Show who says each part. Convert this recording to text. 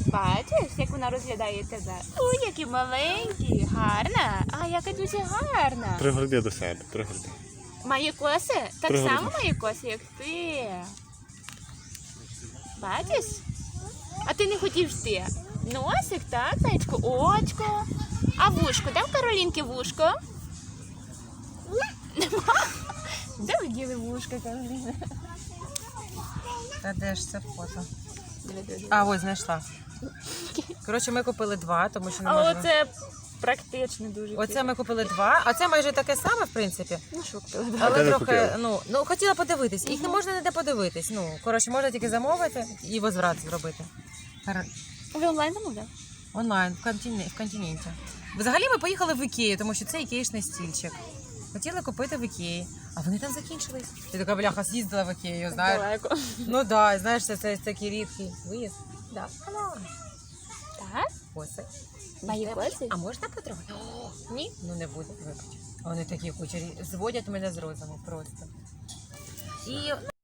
Speaker 1: Бачиш, як вона розглядає тебе? Ой, які маленькі, гарна. А, яка дуже гарна.
Speaker 2: Пригорди до себе, пригорди.
Speaker 1: Має коси? Так
Speaker 2: Пригорди.
Speaker 1: само має коси, як ти. Бачиш? А ти не хотів йти. Носик, так, зайчко, очко. А вушко? Де в Каролінки вушко? Нема. Де ви діли вушко, Кароліна?
Speaker 3: Та де ж це фото?
Speaker 1: Диви.
Speaker 3: А, ось знайшла. Коротше, ми купили два, тому що не
Speaker 1: А
Speaker 3: можемо.
Speaker 1: оце практично дуже.
Speaker 3: Оце ми купили два, а це майже таке саме, в принципі.
Speaker 1: Ну що купили?
Speaker 2: де
Speaker 3: Але
Speaker 2: ви
Speaker 3: трохи,
Speaker 2: купили?
Speaker 3: ну, хотіла подивитись. Їх не можна ніде подивитись. Ну, коротше, можна тільки замовити і возврат зробити.
Speaker 1: Ви онлайн замовляли?
Speaker 3: Онлайн, в континенті. Взагалі ми поїхали в Ікею, тому що це ікеїшний стільчик. Хотіли купити в Ікеї, а вони там закінчились. Ти така, бляха, з'їздила в Ікею, знаєш.
Speaker 1: Далеко.
Speaker 3: Ну да, знаєш, це такий рідкий виїзд. Да.
Speaker 1: Так?
Speaker 3: Коси.
Speaker 1: Мої коси?
Speaker 3: А можна потрогати? Ні? Ну не буде, вибач. Вони такі кучері, зводять мене з розуму просто. І